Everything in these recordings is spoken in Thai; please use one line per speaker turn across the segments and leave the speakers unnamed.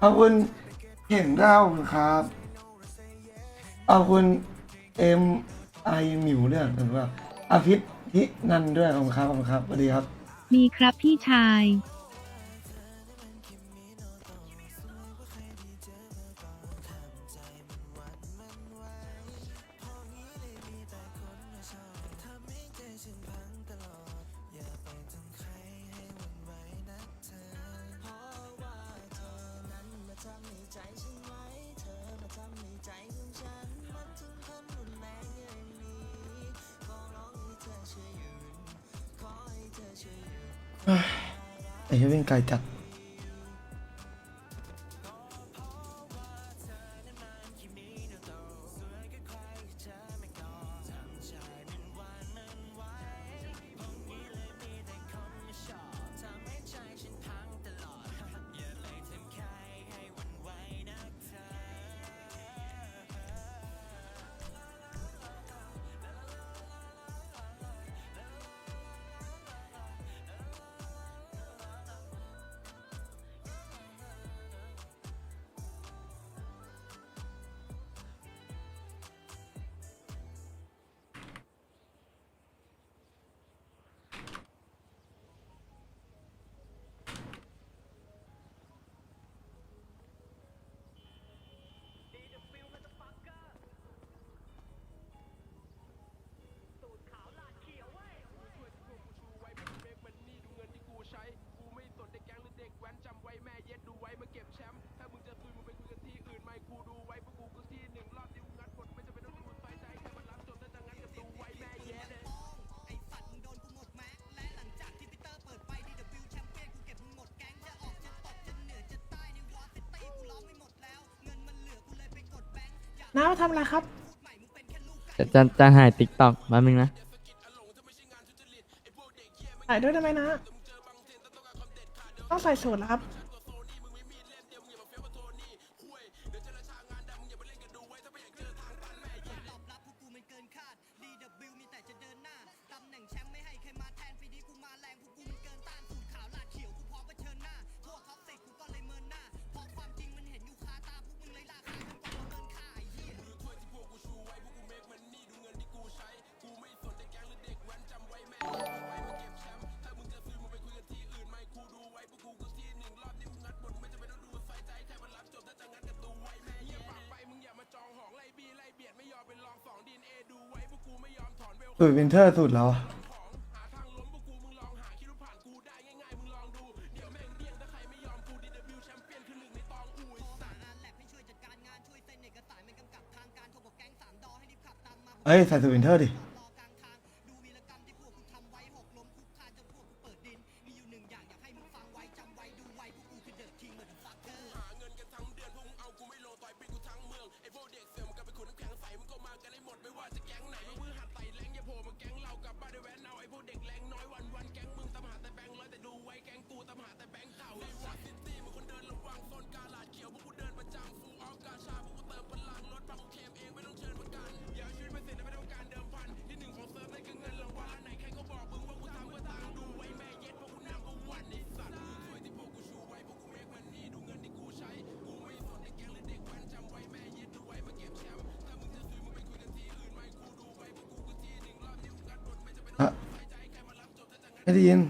ขอบคุณเห็นดาวครับขอบคุณไอหมิวด้วยหรือว่าอาทิตย์ที่นันด้วยขอบคุณครับขอบคุณครับสวัสดีครับ
มีครับพี่ชาย
ไอ้เหี้ยวิ่งไกลจัด
น้าทำอะไรครับ
จะหายติ๊กต็อกมานึงนะ
ใส่ด้วยได้ไหมนะ ต้องใส่สูทแล้วครับ
สูตรวินเทอร์สูตรแล้วอะเอ้ยใส่สูตรวินเทอร์ดิอะไม่ได้ยิน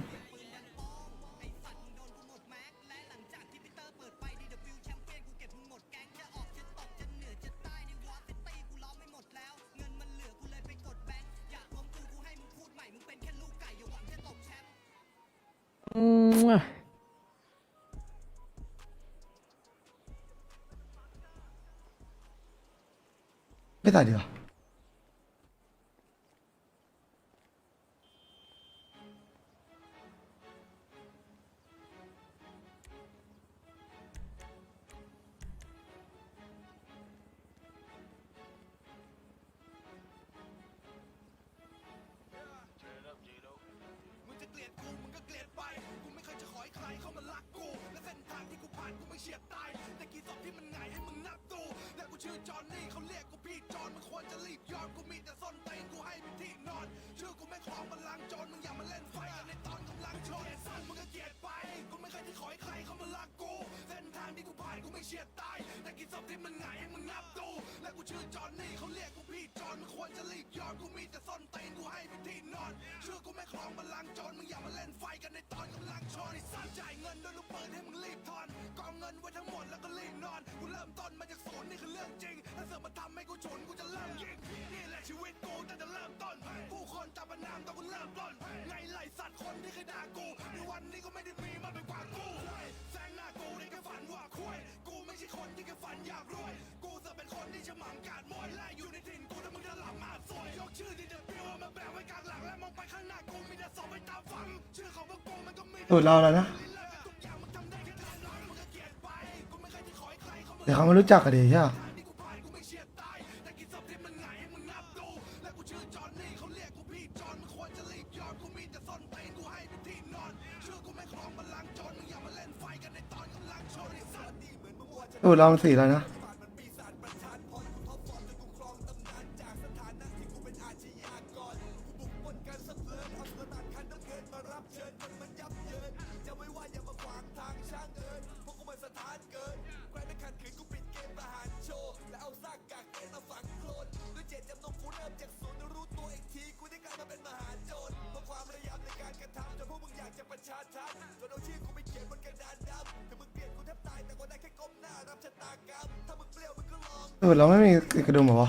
ไม่ใส่ดีกว่าสูตรเราแล้วนะ เดี๋ยวเขาไม่รู้จักกันดีใช่ไหมสูตรเรามันสีแล้วนะ สูตรเราไม่มีกระดุมเหรอวะ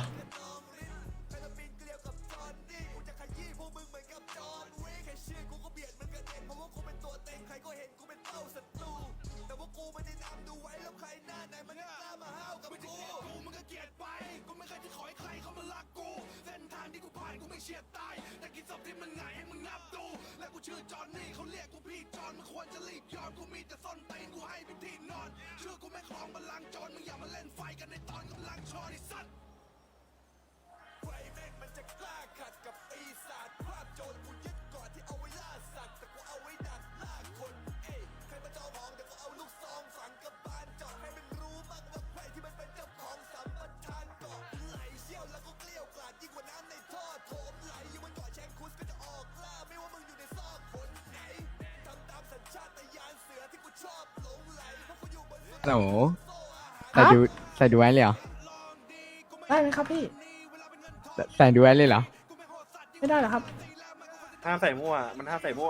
ฮัลโหล
ครั
ใส่
บ
ดูไว้เลยเหรอ
ได้ไหมครับพี่
ใส่ดูไว้เลยเหรอ
ไม่ได้เหรอครับ
ห้ามใส่มั่ว มันห้ามใส่มั่ว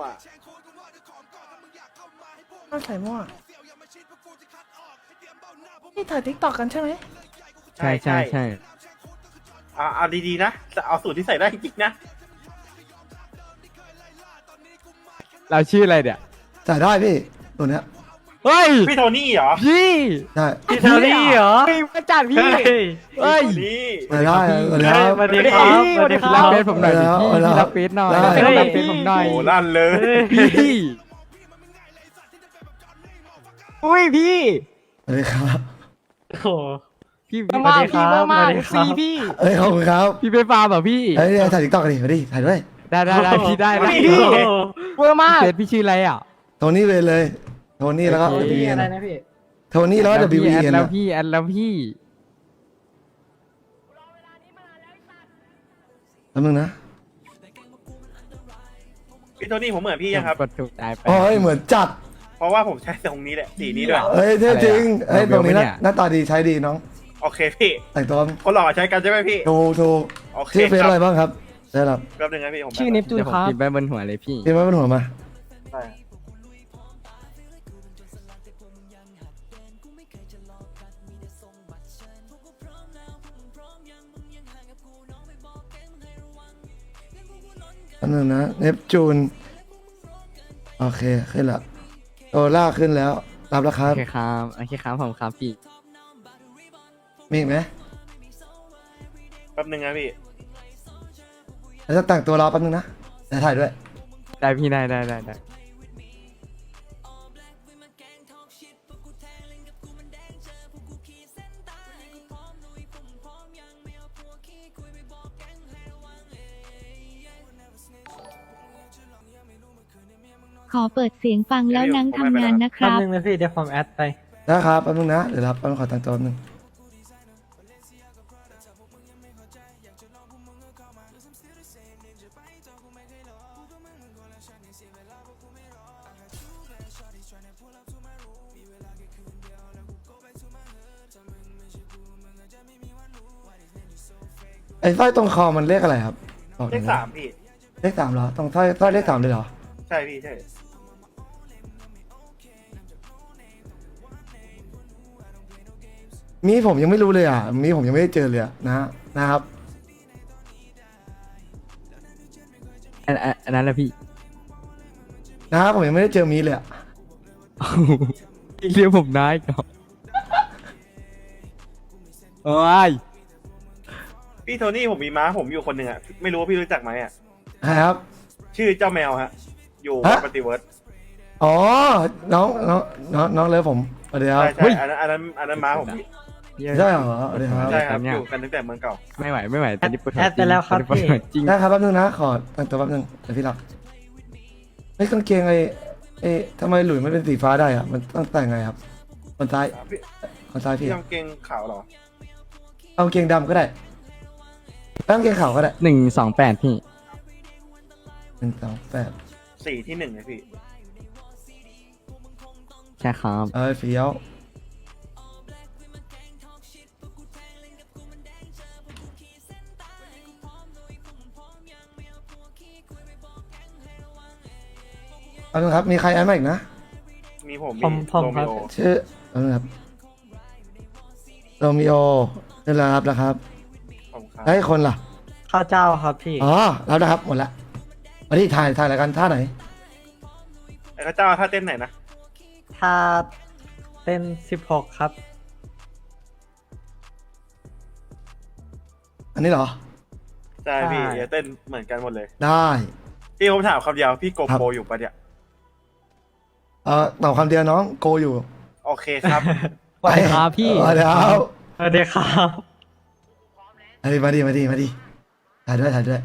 ต้องใส่มั่วนี่ถ่ายทิกตอกกันใช่ไหม
ใช่ใช่ใช่
เอาดีๆนะ เอาสูตรที่ใส่ได้จริงๆนะ
เราชื่ออะไรเดี๋ย
จ่ายได้พี่ ตัวเนี้ย
เฮ้ย
พี่โทนี่เหรอ
พี่
ใช่
พี่เทอรี่เหรอมาจัดพี่เฮ้ย
นี่
จ่ายได้ตัวเนี้ย
สวัสดีครับ
สวัสดีครับรับเฟซผมหน่อยดิ
เอา
พี่
แล้ว
พี่รับเฟซหน่อย
ได้
รับเฟซผมหน่อย
โอ้ลั่นเลย
พี่ อุ้ยพี่
สวัสดีครับ
โอ้โห
พี่
สวัสดีครับ
เบอร์มาก
สวัสดีครับ
พี่
เอ้ยขอบคุณครับ
พี่ไปฟาร์มเหรอพี่
เอ้ยถ่ายติ๊กต็อกกันดิมาดิถ่ายด้วย
ได้พี่ได้ได้
โอ้โห
เบอร์มากเฟซพี่ชื่ออะไรอ่ะ
โทนี่เวนเลย โทนี่แล้วก็
โอเค
WE
อะไร
นะ
นะพี่
โทนี่แล้วก็
พี่
WE
แอด
นะ
แล้วพี่แอดแล้วพี่
แป๊บนึงนะ
พี่โทนี่ผมเหมือนพี่ยังครับ
กดถูกใจไป
โอ้ยเหมือนจัด
เพราะว่าผมใช้ตรงนี้แหละ สีนี้ด้วย
เอ้ยเท่จริง
อะไรอะ
เอ้ยตรงนี้
เราเบลไหมเนี่ย
หน้าตาดีใช้ดีน้อง
โอเคพี่
แต่งตัว
คนหล่อใช้กันใช่ไหมพี่
ถูก
โอเค
ชื่อเฟซ
ครั
อะไร
บ
บ้างครับได้รับ
แป๊บนึงนะพี่ผม
ชื่อเนปจูน
เดี๋ยวผ
ค
ม
รับ
พิมพ์ไปบนหัวเลยพี่
พิมพ์ไว้บนหัวมา
ได้
อันนึงนะเนปจูนโอเคขึ้นละโอล่าขึ้นแล้วรับแล้วครั
โอบ เคครับโอเคครับผมครับพี่
มีอีกไหม
แป๊บนึงนะพี่
แล้วจะแต่งตัวรอแป๊บนึงนะเดี๋ยวถ่ายด้วย
ได้พี่ได้
ขอเปิดเสียงฟังแล้วนั่งทำงานนะค
แป๊บ
รับ
นึงนะพี่เดี๋ยวผมแอดไป
ได้ครับแป๊บนึงนะเดี๋ยวรับแป๊บนึงขอแต่งตัวแป๊บนึงไอ้สร้อยตรงคอมันเลขอะไรครับบอกห
เล
น่อย
ข
นะ
สามพี่
เลข 3เหรอตรงสร้อยเลข 3เลยเหรอ
ใช่พี่ใช่
มีผมยังไม่รู้เลยอ่ะมีผมยังไม่ได้เจอเลยอะนะครับ
อันนั้นแหละพี่
นะครับผมยังไม่ได้เจอมีเลยอะ
เรียกผมนายก่อนโอ้ย
พี่โทนี่ผมมีม้าผมอยู่คนหนึ่งอ่ะไม่รู้ว่าพี่รู้จักไหมอ่ะ
ครับ
ชื่อเจ้าแมวฮะอยู่
ฮะ
ปฏิเวิร์ด
อ๋อน้องเลยผมสวัสดีครับ
ใช่ใช่อันนั้นม้าผมพี่
ใช่เหรอสวัสดีครับ
ใช่ครับอยู่กันตั้งแต่เมืองเก่า
ไม่ไหวตอนนี้ปวดหัว
แอดไปแล้วครับ
ตอนนี้ปวดหัวจริง
ได้ครับแป๊บนึงนะขอตั้งตัวแป๊บนึงเดี๋ยวพี่รับไอ้ยกางเกงไอ้ทำไมหลุยมันเป็นสีฟ้าได้อะมันต้องแต่งไงครับคนซ้าย
พี่
คนซ้ายพี่
พี่กางเกงขาวเหรอ
เอากางเกงดำก็ได้เอากางเกงขาวก็ได้
128พี่
128
สีที่หนึ่งเลยพี่
ใช่ครับ
เฟี้ยวเอาละครับมีใครแอดมาอีกนะ
มีผม
ผม
มี
ผม
โร
ครั
มิ
บ
โอ
ชื่อเอาละครับโรมิโอนี่แหละครับนะครับ
ผมครับ
ให้คนล่ะ
ข้าวเจ้าครับพี่
อ๋อรับนะครับหมดละมาที่ถ่ายรายการท่าไหน
ไอ้ข้าเจ้าถ้าเต้นไหนนะ
ถ้าเต้น16ครับ
อันนี้เหรอ
ใช่พี่
ใช่
อย่าเต้นเหมือนกันหมดเลย
ได้
พี่ผมถามคำเดียวพี่โก
ครับ
โปรอยู่ปะเนี่ย
ตอบคำเดียวน้องโกอยู่
โอเคครับ
สวัสดีครับพี่
สวัสดีครับ
สวัสดีครับ
มาดิถ่ายด้วย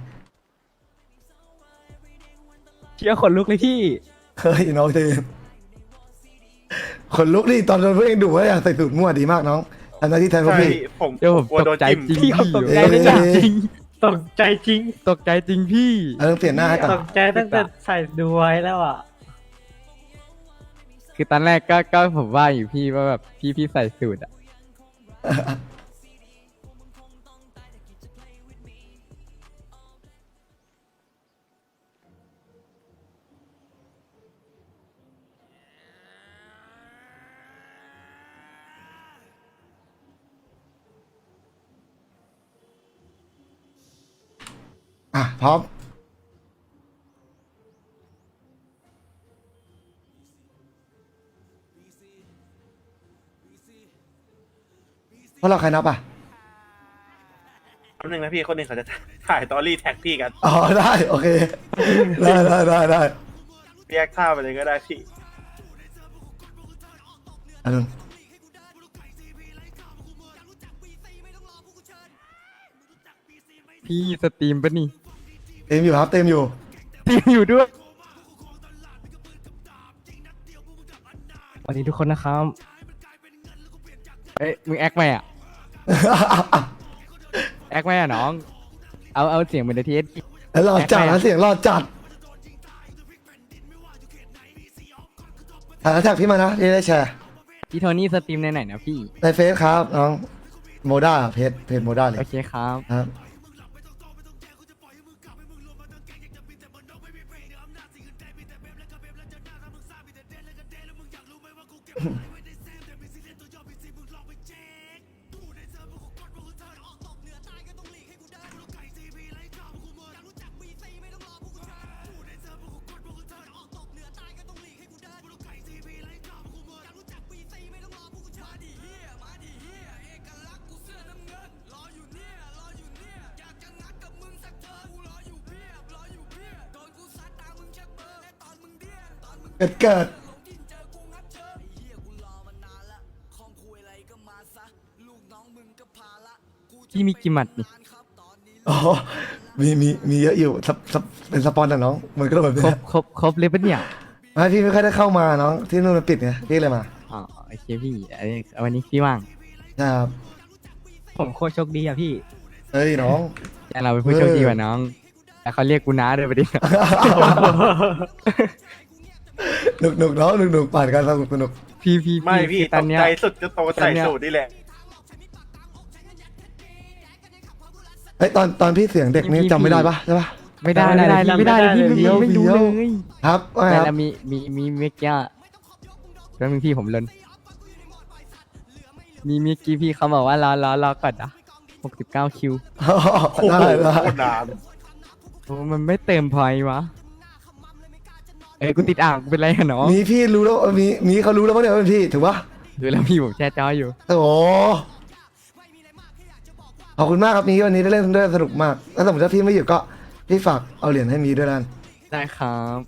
เชื่อขนลุกเลยพี่
เฮ้ยน้องเจนขนลุกดิตอนโดนพวกเองดุว่าอยากใส่สูตรมั่วดีมากน้องทำหน้าที่แทนพวก
ใช่
พี่
พี่ผม
เดี๋ยวผม
กลัว
ต
โด
ก
น
ใจ
จิ้ม
จริง
พี่
พี่
ตกใจเลย
เอ้
จ้ะ
ย
จริง
ตกใจจริง
ตกใจจริงพี่
ต้องเปลี่ยนหน้าให้ก่อน
ตกใจตั้งแต่ใส่ดูไว้แล้วอ่ะ
คือตอนแรกก็ผมว่าอยู่พี่ว่าแบบพี่ใส่สูตรอะ
พร้อมเพราะเราใครนับอ่ะ
แป๊บนึงนะพี่คนหนึ่งเขาจะถ่ายตอรี่แท็กพี่กัน
อ๋อได้โอเคได้
เรียกท่าไปเลยก็ได้พี่
อันนึง
พี่สตรีมปะนี่
เต็มอยู่ครับเต็มอยู่
สตรีมอยู่ด้วยสวัสดีทุกคนนะครับเอ้ยมึงแอคไหมอ่ะแอคไหมอ่ะน้องเอาเสียงเหมือนในทีเอส
แล้วรอจัดนะเสียงรอจัดถ่ายแล้วแท็กพี่มานะพี่ได้แชร์
พี่โทนี่สตรีมในไหนนะพี่
ในเฟซครับน้องโมด้าเพจโมด้าเลย
โอเคครับ
ครับเกิด
พี่มีกี่หมัดนี่
อ๋อมีเยอะอยู่เป็นสปอนแต่น้องมันก็แบบ
คร
เนี้
บ
ย
ครบเลยปะเนี่ย
ไม่พี่ไม่ค่อยได้เข้ามาน้องที่นู่นมันปิดไงพี่เลยมา
อ๋อโอเคพี่อันนี้วันนี้พี่ว่าง
ใช่ครับ
ผมโคตรโชคดีอ่ะพี่
เอ้ยน้อง
แต่เราเป็นผู้โชคดีกว่าน้องแต่เขาเรียกกูน้าเลยปะดิ
หนุกน้องหนุกปั่นกันสนุก
พี่
ไม่พี่
คือ
ต
ตอน
ก
เนี้ย
ใจสุดจะโตใส่สูตรนี่แหละ
เอ้ยตอนพี่เสียงเด็กนี่จำไม่ได้ปะใช่ปะ
ไม่ได้ไม่ได้ไม่ได้เลยพี่
เดี๋ยว
ไม่รู้
เดี๋ยว
เลย
ครับว่าไง
แต่
ครับ
ละมีเมื่อกี้แล้วมีพี่ผมลนมีเมื่อกี้พี่เขาบอกว่ารอก่อนนะ69 คิว
โอ้โห
ได้ได้
โคตรนาน
โอ้มันไม่เต็มพอยวะเอ้ยกูติดอ่างกูเป็นไรอะเนาะ
มีพี่รู้แล้วมีเขารู้แล้วว่าเนี่ยว่าเป็นพี่ถูกปะ
ดูแล้วพี่ผมแช่จ้ออยู่
โอ้โหขอบคุณมากครับมีวันนี้ได้เล่นด้วยสนุกมากแล้วสมมติถ้าพี่ไม่อยู่ก็พี่ฝากเอาเหรียญให้มีด้วยนั่น
ได้ครับ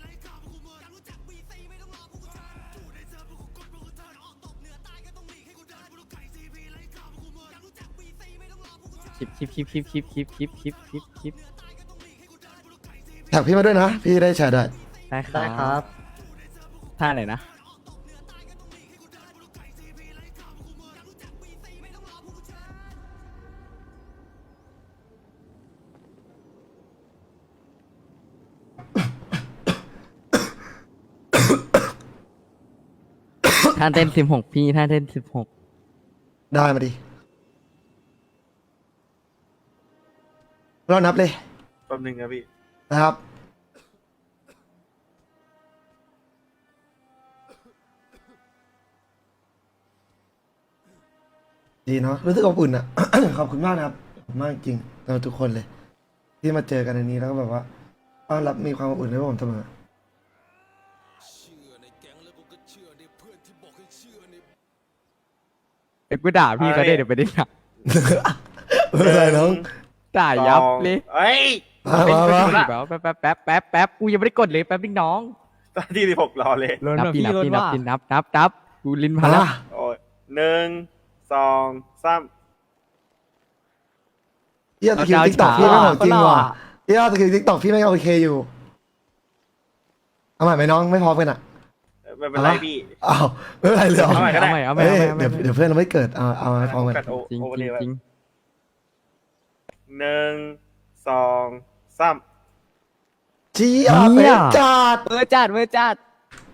คลิป
แท็กพี่มาด้วยนะ พี่ได้แชร์ได้
ได้ค
ได้ค
รั
รั
บบ ท่าไหนนะ ท่าเต้น16พี่ท่าเต้น16
ได้มาดิเรานับเลย
แป๊บนึงครับพี่
นะครับดีเนาะรู้สึกอบอุ่นอ่ะ ขอบคุณมากนะครับขอบคุณมากจริงๆเราทุกคนเลย ที่มาเจอกันในนี้แล้วก็แบบว่าต้อนรับมีความอบอุ่นให้ผมเสมอ
เอ้ยกูด่าพี่เขาได้เดี๋ยวไปดิด่า
ไม่เป็นไรน้อง
ด่ายับเลย
เอ้ย
มามา
แป๊บกูยังไม่ได้กดเลยแป๊บนึงน้อง
ตอนที่16รอเลย
นับปีนับกูลิ้นพันแล้ว
โอ้ย1 2 3
เฮียสกิลติ๊กต็อกพี่ไม่ของจริงว่ะเฮียสกิลติ๊กต็อกพี่ไม่โอเคอยู่เอาใหม่ไหมน้องไม่พร้อมกันอ่ะ
ไม่เป็นไรพี่
อ้าวไม่เป็นไรเลยเหรอ
เอาใหม่ก็ได้
เอาใหม่
เอ้ย
เอาใหม่
เดี๋ยวเพื่อนเราไม่เกิดเอาให้พร้อมกัน
กัดโอ
จริง
โอเวอร์เลย
จริง
1 2 3
เจี๊ยบเป็นจัด
เวอร์จัด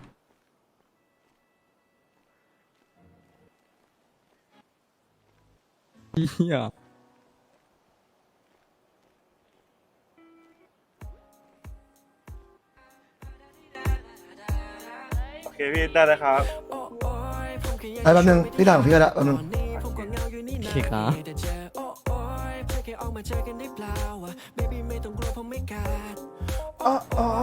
เฮีย
โอเคพี่ได้แล้วครับ
ไอ้แป๊บนึงพี่ถามพี่ก็ได้แป๊บนึง
โอเคครับ
อ๋ออ๋อ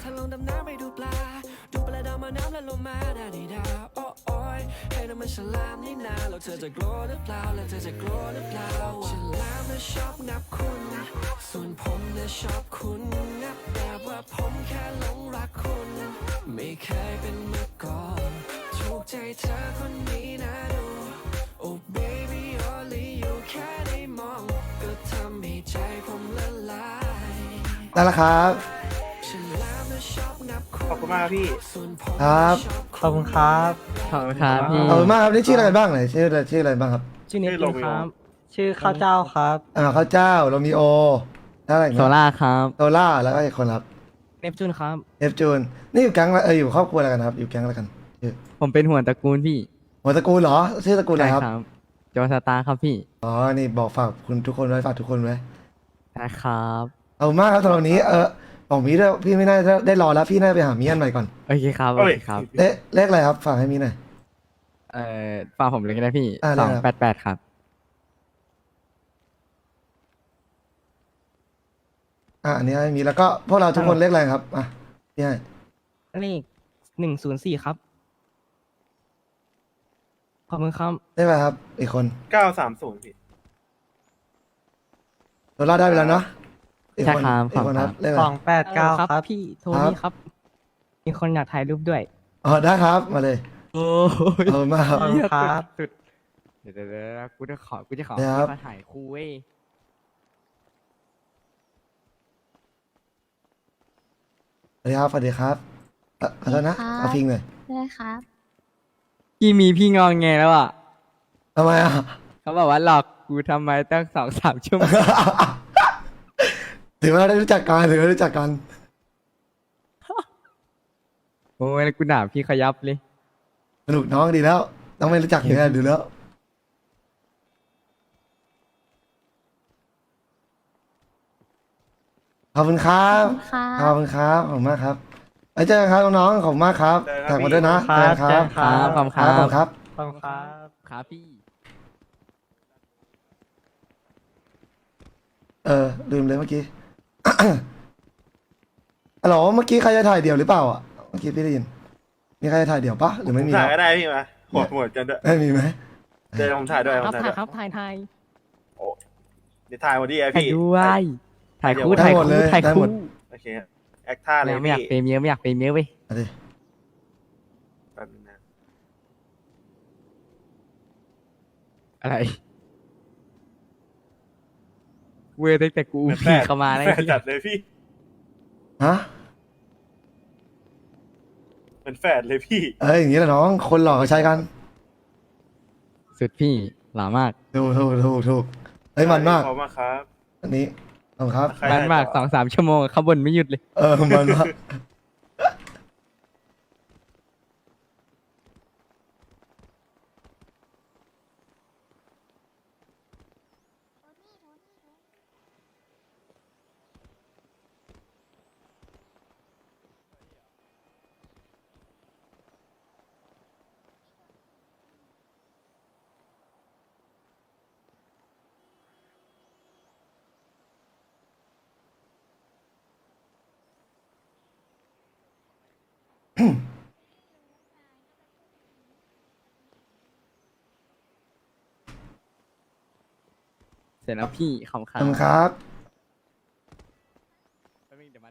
ส่วนผมน่ะชอบคุณนะแบบว่าผมแค่หลงรักคุณ ไม่เคยเป็นมาก่อนถูกใจเธอคนนี้นะดู Oh baby only you แค่ได้มองก็ทำให้ใจผมละลาย
ได้แล้วครับ
ฉันแล้วนะชอบนับคุณ
ขอบคุณมากครับพี่
ส่วนผม
ครับ
ขอบคุณครับ
ขอบคุณครับพี่
ขอบคุณมากครับนี่ชื่ออะไรบ้างไหนชื่ออะไรบ้างครับ
ชื่อเน็ต
ชื่อโรมิโอ
ครับ
ชื่อข้าวเจ้าครับ
ข้าวเจ้าโรมิโอแล้วอะไรอีก
โซ
นะ
ล่าครับ
โซล่าแล้วก็อีกคนครับ
เนปจูนครับ
เอฟจูนนี่อยู่แก๊งอยู่ครอบครัวอะไรกันครับ อยู่แก๊งอะไรกันชื่อ
ผมเป็นหัวตระกูลพี่
หัวตระกูลเหรอชื่อตระกูลอะไรครับ
โจสตาร์ครับพี่
อ๋อนี่บอกฝากคุณทุกคนไว้ฝากทุกคนไว้
ได้ครับ
ขอบคุณมากครับสำหรับวันนี้บอกมีด้วยพี่ไม่น่าได้รอแล้วพี่น่าไปหามีอันใหม่ก่อน
โอเคครับ โอเคครับ
เลขอะไรครับฝากให้มีหน่อย
ฝากผมเลยก็ได้พี่
ได้ครับ
288ครับ
อันนี้ให้มีแล้วก็พวกเราทุกคนเลขอะไรครับพี่ให้
เลข104ครับ ขอบคุณครับ
เลขอะไรครับ อีกคน
930พี่
โซล่าได้ไปแล้วเนาะอีกคน
ใช่ครับ
อีกคนครับเลขอะไร
289 ครับ
พี่โทนี่ครับ มีคนอยากถ่ายรูปด้วย
อ๋อได้ครับมาเลย
โอ้ย
ขอบคุณมากครับ
ขอบคุณครับ
สุดเดี๋ยวกูจะขอ
ครับ
มาถ่ายคู่เว้ย
สวัสดีครับสวัสดีครับขอโทษนะ
สวัสดีครับ
เอาพิงหน่อย
ได้ครับ
พี่มีพี่งองแงแล้วอ่ะ
ทำไมอ่ะ
เขาบอกว่าหลอกกูทำไมตั้ง2-3 ชั่วโมง
ถือว่าได้รู้จักกันถือว่ารู้จักกัน
โอ้ยแล้วกูด่าพี่ขยับเลย
สนุกน้องดีแล้ว ต้องไม่รู้จักเนี่ยดูแล้วขอบคุณครับ
ค่ะ
ขอบคุณครับขอบคุณมากครับไว้เจอกันครับน้องๆขอบคุณมากครับแท็กมาด้วยนะเจอกันครับ
ครับขอบคุณครับ
ขอบคุณครับ
ขอบคุณครับ
ครับพี่
ลืมเลยเมื่อกี้ ฮัลโหลเมื่อกี้ใครจะถ่ายเดี่ยวหรือเปล่าอ่ะเมื่อกี้พี่ได้ยินมีใครจะถ่ายเดี่ยวปะหรือไม่มี
ถ่าย
แล้ว
ก็ได้พี่มาหมดกันด้วย
ไม่มีไหม
เดี๋ยวผมถ่ายด้วย
ค
ผ
รับ
มถ่าย
ถ่า
ด้วย ย
ครับถ่าย
เดี๋ยวถ่ายหมดดิ
ถ่าย
พี่
ด้วยถ่ายคู่
ได้
ถ่าย
หมดเลย
คู่ถ่าย
ได้หม
คู่
ด
โอเคแอคท่าเลย
ไม่อยาก
พี่
เปรมเยอะไม่อยากเปรมเยอะเว้ย
เอาดิ
แป๊บนึงนะ
อะไรเว้ยตั้งแต่กูพี่เข้ามาได้
แฟนจัดเลยพี่
ฮะ
เป็นแฟนเลยพี่
อย่างนี้แหละน้องคนหล่อเขาใช้กัน
สุดพี่หล่อมาก
ถูกมันมาก
ขอบคุณมากครับ
อันนี้ขอบคุณครับ
ใคร
มันมาก
ได้ต่อ
2-3 ชั่วโมงข้างบนไม่หยุดเลย
มันมาก
เสร็จแล้วพี่ขอบ
ขอบคุณครับ
เดี๋ยวมา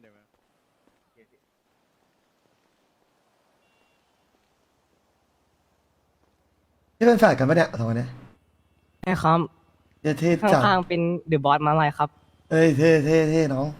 นี่เป็นแฟนกันปะเนี่ยสองคนเนี้ย
ใช่ครับ
เท่จัด
ข้างๆเป็นเดอะบอสมาลายครับ
เอ้ยเท่น้อง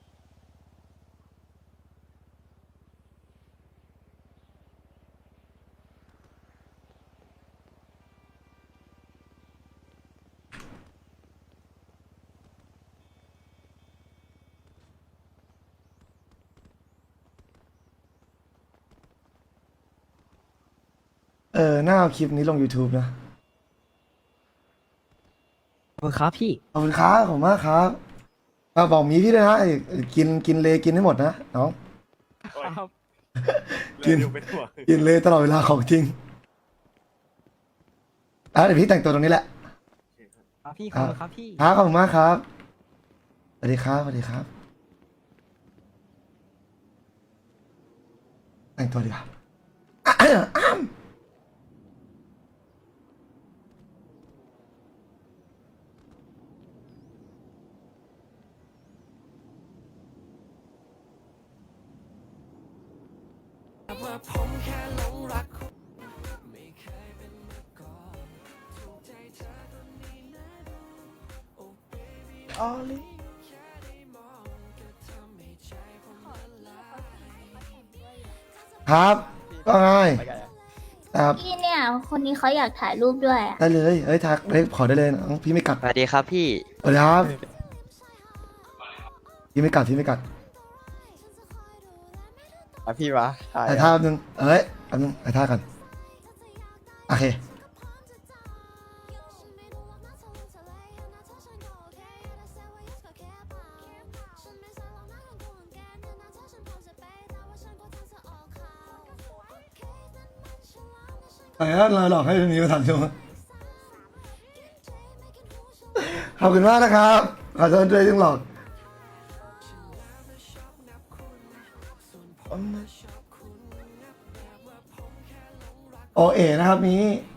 น่าเอาคลิปนี้ลง YouTube นะ
ขอบคุณครับพี่
ขอบคุณครับขอบคุณมากครับบอกมีพี่ด้วยนะกินเลยกินให้หมดนะน้อง
โอ้ย
กิน
เร็วเป็นห่วง
กินเลยตลอดเวลาของจริงเดี๋ยวพี่แต่งตัวตรงนี้แหละ
ครับพี่ขอบคุณครับพี่
ครับขอบคุณมากครับสวัสดีครับสวัสดีครับ แต่งตัวดีกว่า
ออลี่
ครับก็ง่ายครับ
พี่เนี่ย คนนี้เขาอยากถ่ายรูปด้วยอ่ะ
ได้เลยทักขอได้เลยน้องพี่ไม่กัด
สวัสดีครับพี่
สวัสดีครับพี่ไม่กัด
พี่วะถ่าย
ถ่ายท่าแป๊บนึงแป๊บนึงถ่ายท่ากันโอเคแต่ถ้าเราหลอกให้มีมาถามชมขอบคุณมากนะครับขอโทษด้วยที่หลอกโอเอนะครับนี้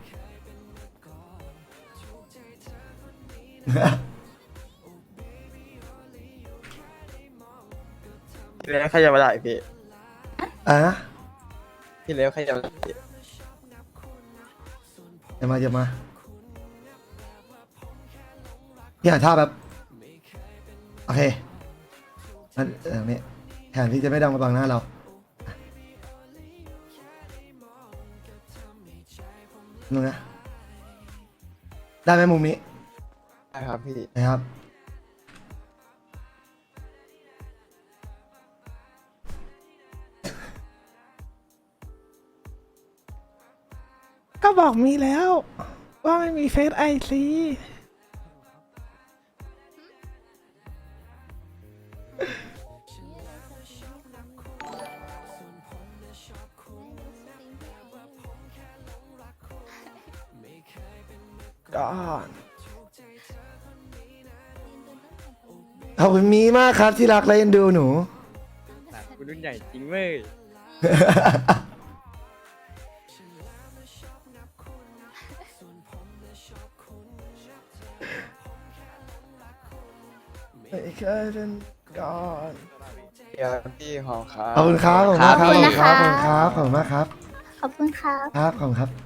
พี่เล็กขยับมาได้พี่
นะ
พี่เล็กขยับมาได้
อย่ามาพี่หาท่าแบบโอเคนั่นนี่แทนที่จะไม่ดังมาบังหน้าเรานึงนะได้ไหมมุมนี้
ได้ครับพี่
นะครับ
ก็บอกมีแล้ว ว่าไม่มีเฟซไอซีก่อน
ขอบคุณมีมากครับที่รักและเอ็นดูหนู
คุณรุ่นใหญ่จริงเว้ย
ไม่เคยเป็นก่อน
เดี๋ยวพี่หอมครับ
ขอบคุณครับขอบคุณครับ
ขอบคุณนะคะ
ขอบคุณครับขอบคุณมากครับ
ขอบคุณครับ
ครับขอบคุณครับ